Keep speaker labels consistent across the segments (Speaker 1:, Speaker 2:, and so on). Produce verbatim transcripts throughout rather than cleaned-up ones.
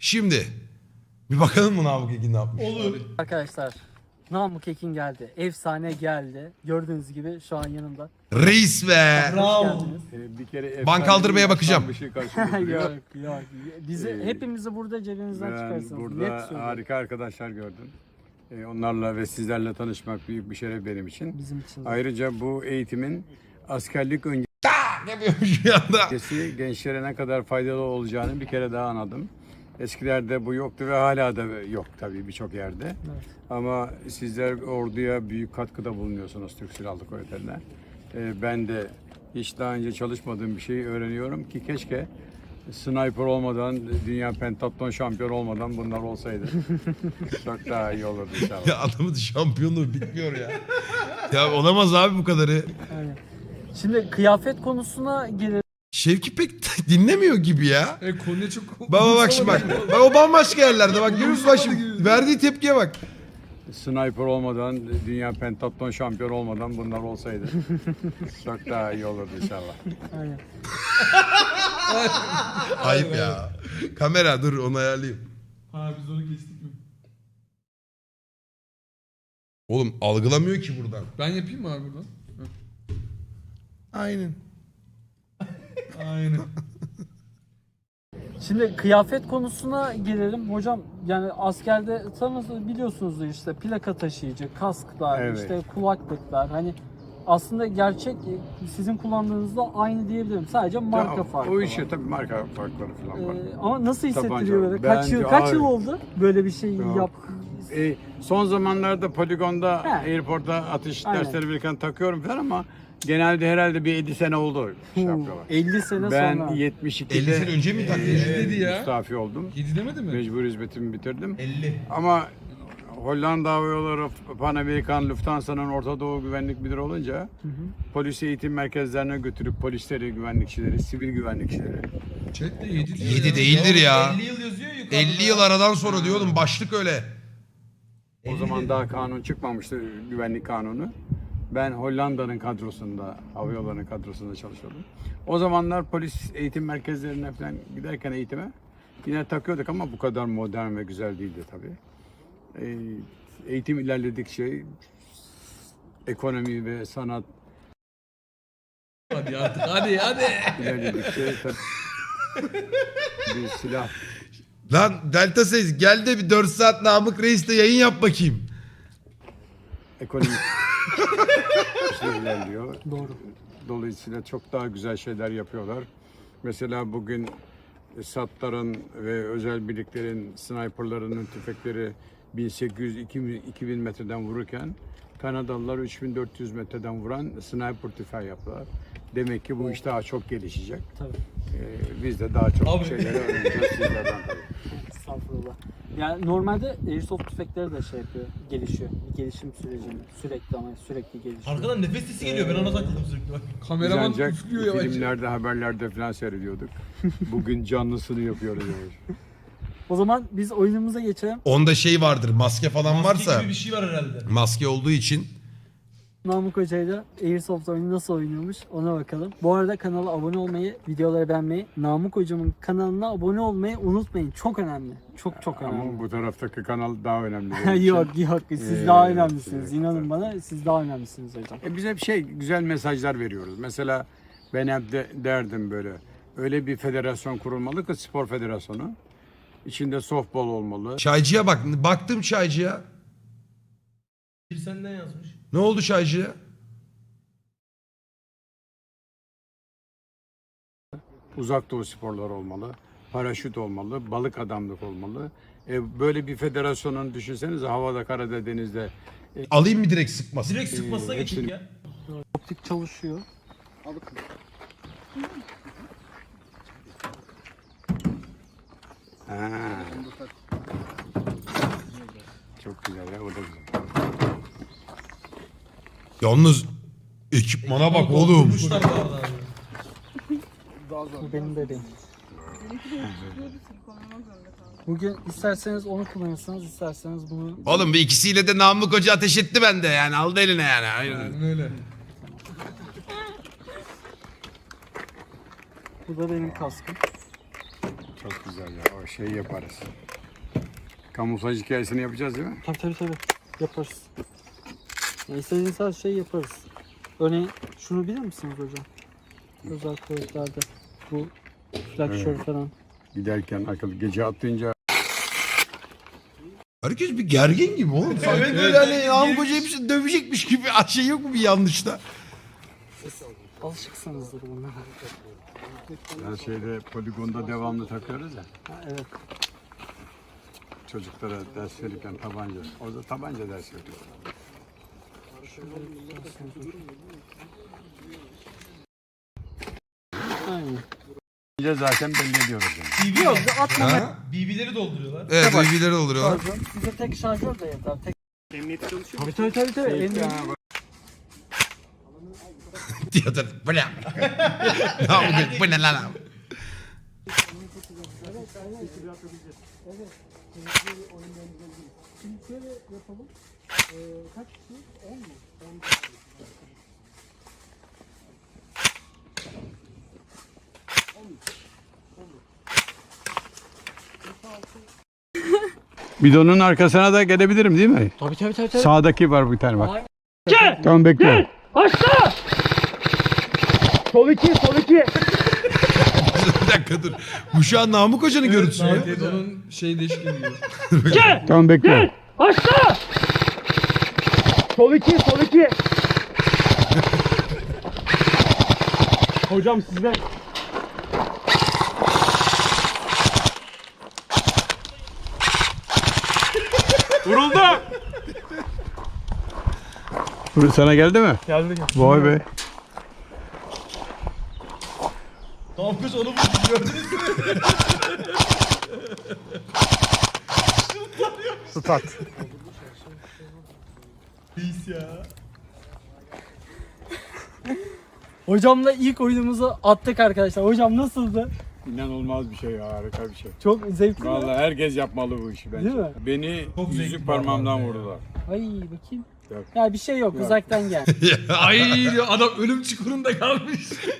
Speaker 1: Şimdi bir bakalım mı Namık Ekin ne yapmış?
Speaker 2: Olur.
Speaker 3: Arkadaşlar Namık Ekin geldi. Efsane geldi. Gördüğünüz gibi şu an yanımda.
Speaker 1: Reis be.
Speaker 3: Hoş
Speaker 2: Bravo.
Speaker 3: geldiniz.
Speaker 4: Ee, bir kere
Speaker 1: Ban kaldırmaya bakacağım.
Speaker 4: Bir şey karşılıyor.
Speaker 3: yok yok. Bizi
Speaker 4: Ee,
Speaker 3: hepimizi burada cebinizden
Speaker 4: Ben
Speaker 3: çıkarsınız. Net
Speaker 4: burada
Speaker 3: söylüyorum.
Speaker 4: harika arkadaşlar gördüm. Ee, onlarla ve sizlerle tanışmak büyük bir şeref benim için.
Speaker 3: Bizim için. de.
Speaker 4: Ayrıca bu eğitimin askerlik
Speaker 1: Ne yapıyormuş bir anda?
Speaker 4: öncesi gençlere ne kadar faydalı olacağını bir kere daha anladım. Eskilerde bu yoktu ve hala da yok tabii birçok yerde.
Speaker 3: Evet.
Speaker 4: Ama sizler orduya büyük katkıda bulunuyorsunuz Türk Silahlı Kuvvetleri'ne. Ee, ben de hiç daha önce çalışmadığım bir şeyi öğreniyorum ki keşke sniper olmadan, dünya pentatlon şampiyon olmadan bunlar olsaydı. Çok daha iyi olurdu inşallah.
Speaker 1: Ya adamın şampiyonluğu bitmiyor ya. Ya olamaz abi bu kadarı.
Speaker 3: Aynen. Şimdi kıyafet konusuna gelelim.
Speaker 1: Şevki pek dinlemiyor gibi ya.
Speaker 2: E konuya çok...
Speaker 1: Baba bak şimdi bak. Bak o bambaşka yerlerde bak. Görüyor musun bak şimdi. Verdiği tepkiye bak.
Speaker 4: Sniper olmadan, dünya pentatlon şampiyon olmadan bunlar olsaydı. Çok daha iyi olurdu inşallah.
Speaker 3: Aynen.
Speaker 1: Ayıp ya. Kamera dur onu ayarlayayım.
Speaker 2: Ha biz onu kestik mi?
Speaker 1: Oğlum algılamıyor ki buradan.
Speaker 2: Ben yapayım mı abi buradan?
Speaker 1: Aynen.
Speaker 2: Aynen.
Speaker 3: Şimdi kıyafet konusuna gelelim. Hocam yani askerde tanırsınız biliyorsunuzdur işte plaka taşıyıcı, kasklar,
Speaker 4: Evet.
Speaker 3: işte kulaklıklar. Hani aslında gerçek sizin kullandığınızda aynı diyebilirim. Sadece marka
Speaker 4: Ya,
Speaker 3: farkı
Speaker 4: O
Speaker 3: var.
Speaker 4: işe tabii marka farkları falan var.
Speaker 3: Ee, ama nasıl hissettiriyor
Speaker 4: Tabanca.
Speaker 3: böyle? Kaç yıl
Speaker 4: Bence
Speaker 3: kaç
Speaker 4: abi-
Speaker 3: yıl oldu böyle bir şey
Speaker 4: Yok.
Speaker 3: yap?
Speaker 4: E, son zamanlarda poligonda,
Speaker 3: He.
Speaker 4: airport'ta atış
Speaker 3: Aynen.
Speaker 4: dersleri verirken takıyorum falan ama genelde herhalde bir yedi sene oldu şey yapıyorlar.
Speaker 3: elli sene
Speaker 4: Ben
Speaker 3: sonra.
Speaker 4: yetmiş ikide
Speaker 1: elli sene önce mi taktın?
Speaker 2: Evet. dedi ya.
Speaker 4: müstafi oldum.
Speaker 2: yedi demedi mi?
Speaker 4: Mecbur hizmetimi bitirdim.
Speaker 1: elli.
Speaker 4: Ama Hollanda Hava Yolları, Pan Amerikan, Lufthansa'nın Orta Doğu Güvenlik Müdürü olunca polis eğitim merkezlerine götürüp polisleri, güvenlikçileri, sivil güvenlikçileri.
Speaker 2: Chat'te yedi diyor
Speaker 1: Yedi
Speaker 2: ya.
Speaker 1: değildir ya.
Speaker 5: elli yıl yazıyor yukarıda.
Speaker 1: elli yıl aradan sonra diyor oğlum başlık öyle.
Speaker 4: O zaman daha kanun çıkmamıştı, güvenlik kanunu. Ben Hollanda'nın kadrosunda, hava yollarının kadrosunda çalışıyordum. O zamanlar polis eğitim merkezlerine falan giderken eğitime yine takıyorduk ama bu kadar modern ve güzel değildi tabii. Ee, eğitim ilerledikçe ekonomi ve sanat
Speaker 2: Hadi artık hadi hadi.
Speaker 4: ilerledikçe tabii bir silah
Speaker 1: Lan Delta Seis gel de bir dört saat Namık Reis'te yayın yap bakayım.
Speaker 4: ekonomik şey ilerliyor.
Speaker 3: Doğru.
Speaker 4: Dolayısıyla çok daha güzel şeyler yapıyorlar. Mesela bugün SAT'ların ve özel birliklerin sniperlarının tüfekleri bin sekiz yüz iki bin metreden vururken Kanadalılar üç bin dört yüz metreden vuran sniper tüfeği yaptılar. Demek ki bu iş daha çok gelişecek.
Speaker 3: Tabii.
Speaker 4: Ee, biz de daha çok
Speaker 2: Abi.
Speaker 4: şeyleri öğreneceğiz sizlerden tabii.
Speaker 3: Estağfurullah. Yani normalde airsoft tüfekleri de şey yapıyor, gelişiyor. Bir gelişim süreci sürekli ama sürekli gelişiyor.
Speaker 5: Arkadan nefes sesi geliyor. Ben ona takıldım sürekli bak.
Speaker 4: Biz
Speaker 2: Kameraman
Speaker 4: ancak
Speaker 2: üflüyor yavaş.
Speaker 4: filmlerde, haberlerde falan seyrediyorduk. Bugün canlısını yapıyoruz. Yani.
Speaker 3: O zaman biz oyunumuza geçelim.
Speaker 1: Onda şey vardır maske falan
Speaker 5: Maske
Speaker 1: varsa.
Speaker 5: gibi bir şey var herhalde.
Speaker 1: Maske olduğu için.
Speaker 3: Namık Hoca'yla Airsoft oyunu nasıl oynuyormuş ona bakalım. Bu arada kanala abone olmayı, videoları beğenmeyi, Namık Hocam'ın kanalına abone olmayı unutmayın. Çok önemli. Çok çok önemli.
Speaker 4: Ama bu taraftaki kanal daha önemli. benim için.
Speaker 3: yok yok siz
Speaker 4: Ee,
Speaker 3: daha önemlisiniz.
Speaker 4: evet,
Speaker 3: İnanın
Speaker 4: evet.
Speaker 3: bana siz daha önemlisiniz hocam.
Speaker 4: E biz hep şey güzel mesajlar veriyoruz. Mesela ben hep de, derdim böyle. Öyle bir federasyon kurulmalı ki spor federasyonu. İçinde softball olmalı.
Speaker 1: Çaycıya bak. Baktım çaycıya.
Speaker 5: Bir senden yazmış.
Speaker 1: Ne oldu çaycıya?
Speaker 4: Uzak doğu sporları olmalı. Paraşüt olmalı. Balık adamlık olmalı. E, böyle bir federasyonun düşünsenize havada, karada, denizde.
Speaker 1: Alayım mı direkt sıkmasın?
Speaker 5: Direkt sıkmasına
Speaker 4: Ee,
Speaker 5: geçin
Speaker 4: hepsini-
Speaker 5: ya.
Speaker 3: Optik çalışıyor.
Speaker 4: Ha. Çok güzel ya, o da güzel.
Speaker 1: Yalnız ekipmana bak oğlum.
Speaker 5: Durmuşlar bu arada abi.
Speaker 3: Bu benim bebeğim. Bugün isterseniz onu kullanırsınız, isterseniz bunu.
Speaker 1: Oğlum bir ikisiyle de Namık Hoca ateş etti bende yani. Aldı eline yani. Aynen.
Speaker 2: Aynen öyle.
Speaker 3: Bu da benim kaskım.
Speaker 4: Çok güzel ya. O şeyi yaparız. Kamuflaj hikayesini yapacağız değil mi?
Speaker 3: Tabii tabii tabii. Yaparız. Yani istediğiniz her şeyi yaparız. Örneğin şunu bilir misiniz hocam? Özel kuvvetlerde bu flaksör
Speaker 4: Evet.
Speaker 3: falan.
Speaker 4: Giderken akıl gece atlayınca
Speaker 1: Herkes bir gergin gibi oğlum. Sanki
Speaker 5: Evet,
Speaker 1: böyle
Speaker 5: evet,
Speaker 1: hani
Speaker 5: herkes
Speaker 1: Namık
Speaker 5: gergin.
Speaker 1: Hoca hepsi dövecekmiş gibi şey yok mu bir yanlışta?
Speaker 3: Alışıksınızdır bunlara.
Speaker 4: her şeyde poligonda devamlı takıyoruz ya.
Speaker 3: Ha, evet.
Speaker 4: Çocuklara ders verirken tabanca. Orada tabanca ders veriyor.
Speaker 3: Aynen.
Speaker 4: Önce zaten belli ediyoruz yani.
Speaker 3: Yok atma.
Speaker 1: Ha?
Speaker 5: B B'leri dolduruyorlar.
Speaker 1: Evet, bilgileri dolduruyorlar.
Speaker 3: Şarjör. Size tek şarjör de yeter. Tek... Emniyet çalışıyor. Tabii tabii tabii. tabii. Emniyet.
Speaker 1: Diyordur. Bu ne? Namık Hoca, bu ne lan abi?
Speaker 3: Şimdi şöyle yapalım. Ee, kaç kişi? on mu? on
Speaker 4: Bidonun arkasına da gelebilirim değil mi?
Speaker 3: Tabii tabii tabii. tabii.
Speaker 4: Sağdaki var bir tane bak.
Speaker 3: Aynen.
Speaker 4: Tamam bekle.
Speaker 3: Aşağı! Sol iki, sol iki.
Speaker 1: Bir dakika dur. Bu şu an Namık Hoca'nın görüntüsü mü?
Speaker 2: Evet, onun şey değişik gibi.
Speaker 4: Tamam bekle.
Speaker 3: Aşağı! Sol iki, sol iki. Hocam sizde.
Speaker 4: Vuruldu. Sana geldi mi?
Speaker 3: Geldi.
Speaker 4: Vay be.
Speaker 5: Tamam kız onu vurdu gördünüz mü?
Speaker 4: Tutat.
Speaker 5: Reis ya.
Speaker 3: Hocamla ilk oyunumuzu attık arkadaşlar. Hocam nasıldı?
Speaker 4: İnanılmaz bir şey ya, harika bir şey.
Speaker 3: Çok zevkli.
Speaker 4: Vallahi herkes yapmalı bu işi bence.
Speaker 3: Değil mi?
Speaker 4: Beni
Speaker 5: Çok zevkli
Speaker 4: yüzük
Speaker 5: bir
Speaker 4: parmağımdan
Speaker 5: parmağım ya.
Speaker 4: vurdular.
Speaker 3: Ay bakayım.
Speaker 4: Yok.
Speaker 3: Ya bir şey yok,
Speaker 4: Yok.
Speaker 3: uzaktan gel.
Speaker 2: Ay diyor, adam ölüm çukurunda kalmış.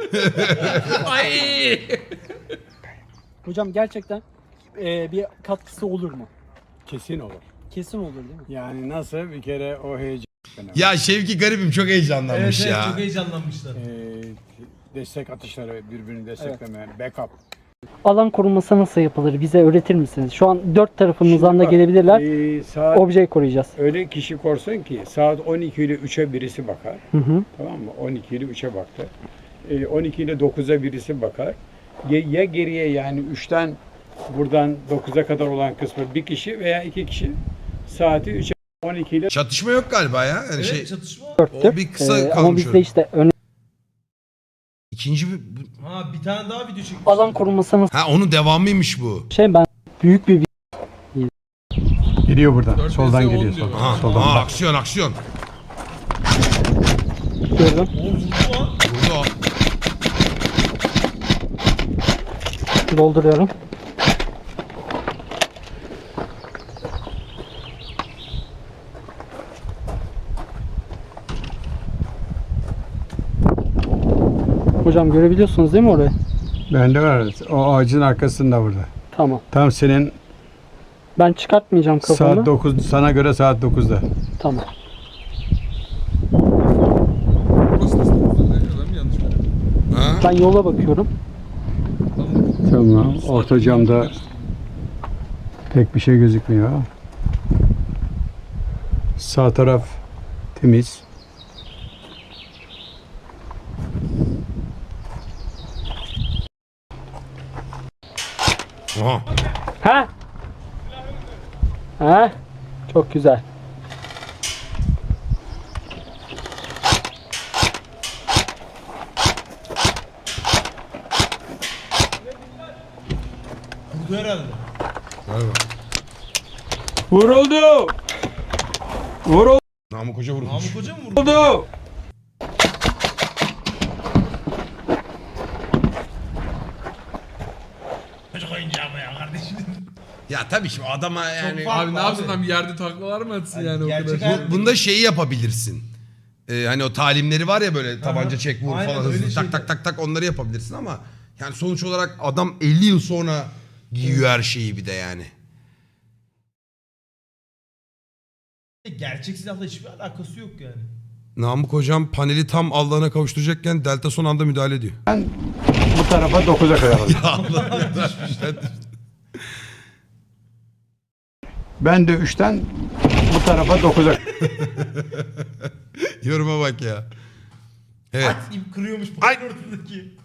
Speaker 2: Ay.
Speaker 3: Hocam gerçekten e, bir katkısı olur mu?
Speaker 4: Kesin olur.
Speaker 3: Kesin olur değil mi?
Speaker 4: Yani nasıl bir kere o heyecan.
Speaker 1: Ya Şevki garibim çok
Speaker 5: Evet,
Speaker 1: heyecanlanmış
Speaker 5: evet
Speaker 1: ya.
Speaker 5: çok heyecanlanmışlar.
Speaker 4: Ee, destek atışları, birbirini destekleme, backup.
Speaker 3: Alan korunması nasıl yapılır? Bize öğretir misiniz? Şu an dört tarafımızdan da
Speaker 4: bak,
Speaker 3: gelebilirler.
Speaker 4: Ee, saat
Speaker 3: Objeyi koruyacağız.
Speaker 4: öyle kişi korsun ki saat on iki ile üçe birisi bakar.
Speaker 3: Hı hı.
Speaker 4: Tamam mı? on iki ile üçe baktı. Ee, on iki ile dokuza birisi bakar. Ya, ya geriye yani üçten buradan dokuza kadar olan kısmı bir kişi veya iki kişi saati üçe on iki ile
Speaker 1: Çatışma yok galiba ya. Yani
Speaker 5: Evet
Speaker 1: şey,
Speaker 5: çatışma.
Speaker 3: Dörttür.
Speaker 1: O bir kısa
Speaker 3: Ee, ama
Speaker 1: kalmış
Speaker 3: bizde
Speaker 1: öyle.
Speaker 3: işte öne...
Speaker 1: ikinci bir... bu-
Speaker 5: Ha bir tane daha video çekmiş.
Speaker 3: alan korunması nasıl
Speaker 1: Ha onun devamıymış bu.
Speaker 3: şey ben büyük bir
Speaker 4: geliyor buradan.
Speaker 2: Dört
Speaker 4: Soldan
Speaker 2: vs on
Speaker 4: geliyor.
Speaker 2: diyor.
Speaker 4: Soldan.
Speaker 1: Ha,
Speaker 4: soldan
Speaker 1: aa,
Speaker 4: bak.
Speaker 1: aksiyon aksiyon.
Speaker 3: gördüm.
Speaker 5: O vurdu lan.
Speaker 1: Burada o.
Speaker 3: Dolduruyorum. Hocam görebiliyorsunuz değil mi orayı?
Speaker 4: Bende var. O ağacın arkasında burada.
Speaker 3: Tamam.
Speaker 4: Tam senin
Speaker 3: Ben çıkartmayacağım kafamı.
Speaker 4: saat dokuz, sana göre saat dokuzda.
Speaker 3: Tamam.
Speaker 2: Burası nasıl? Adam yanlış mı?
Speaker 1: Ha?
Speaker 3: Ben yola bakıyorum.
Speaker 4: Tamam. Orta camda pek bir şey gözükmüyor. Sağ taraf temiz.
Speaker 1: Aha.
Speaker 3: Ha? Ha? Çok güzel.
Speaker 5: Vurdu herhalde.
Speaker 1: Galiba.
Speaker 4: Vuruldu! Vuruldu!
Speaker 1: Namık Hoca vurmuş.
Speaker 5: Namık Hoca mı vurdu? Çocuk oyuncağı mı ya kardeşim?
Speaker 1: Ya tabii şimdi adama yani...
Speaker 5: farklı.
Speaker 2: Abi ne yapsın lan bir yerde taklalar mı atsın yani o
Speaker 5: gerçek
Speaker 2: kadar?
Speaker 5: hayat-
Speaker 1: Bu- bunda şeyi yapabilirsin. Ee, hani o talimleri var ya böyle tabanca çek vur
Speaker 5: Aynen,
Speaker 1: falan
Speaker 5: öyle
Speaker 1: hızlı tak
Speaker 5: şeyler.
Speaker 1: tak tak tak onları yapabilirsin ama yani sonuç olarak adam elli yıl sonra Giyiyor her şeyi bir de yani.
Speaker 5: Gerçek silahla hiçbir alakası yok yani.
Speaker 1: Namık hocam paneli tam Allah'ına kavuşturacakken Delta son anda müdahale ediyor.
Speaker 4: Ben bu tarafa dokuza kadar aldım. Ben de üçten bu tarafa dokuza.
Speaker 1: Yoruma bak ya. Evet.
Speaker 5: At ip kırıyormuş
Speaker 1: Ay.
Speaker 5: panelin ortadaki.